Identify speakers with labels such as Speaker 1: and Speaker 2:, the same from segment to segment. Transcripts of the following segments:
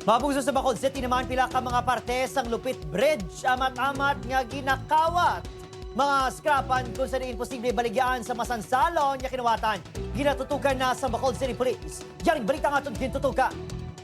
Speaker 1: Mabuso sa Bacol City naman pila ka mga parte sang Lupit Bridge amat-amat nga ginakawat. Mga skrapan kung saan imposible baligyaan sa masansalon nga kinuwatan. Ginatutukan na sa Bacol City Police. Yaring balita nga itong gintutukan.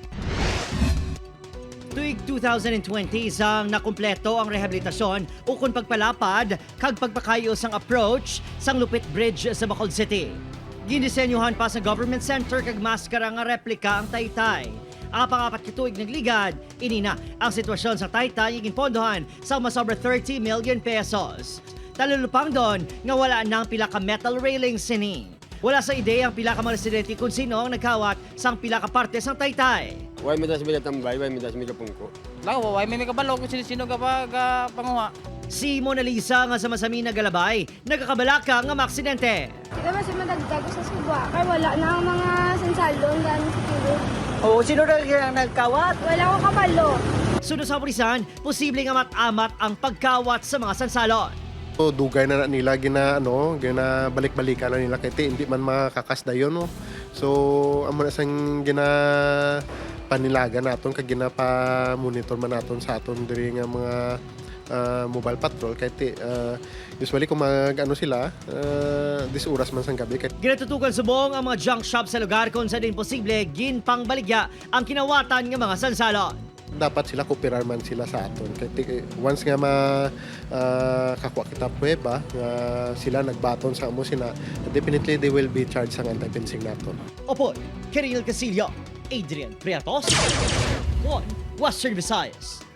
Speaker 1: Tuig 2020 sang nakumpleto ang rehabilitasyon ukon pagpalapad kag pagpakayo sang approach sang Lupit Bridge sa Bacol City. Ginisenyuhan pa sa government center kag maskara nga replika ang Taytay. Ang pang-apat kituig nagligad, inina ang sitwasyon sa Taytay iging pondohan sa masobra 30 million pesos. Talulupang doon nga wala nang pila ka metal railing sini. Wala sa ideya ang pila ka mga residente kung sino ang nagkawat sang pila ka parte sang Taytay.
Speaker 2: Way midas mi tambay, way midas mi pungko.
Speaker 3: Lako, way may kabalo kung sino-sino ka pa panguha.
Speaker 1: Si Mona Lisa nga sa masami na galabay, nagkakabalaka nga maaksidente.
Speaker 4: Kita mas madagdag sa suba, kaya wala na ang mga sansalon gano'n sa tulog.
Speaker 1: Oo, sino na ang nagkawat?
Speaker 4: Wala ko kabalo.
Speaker 1: Sunod sa pulisan, posibleng amat-amat ang pagkawat sa mga sansalon.
Speaker 5: So, dugay na nila gina balik-balikan na nila kaya hindi man makakasda yun. No? So, amo na sang gina panilaga naton kag gina pa monitor man naton sa aton diri nga mga mobile patrol kay usually kung sila dis oras man sang gabi kay
Speaker 1: Ginatutukan subong ang mga junk shop sa lugar kung saan din posible ginpangbaligya ang kinawatan ng mga sansalon.
Speaker 5: dapat sila kooperar man sila sa aton kay once nga kakuha kita prueba nga sila nagbaton sa amo sina definitely they will be charged sa anti-fencing naton.
Speaker 1: Opo, Kiril Casillo, Adrian Priatos, One Western Visayas.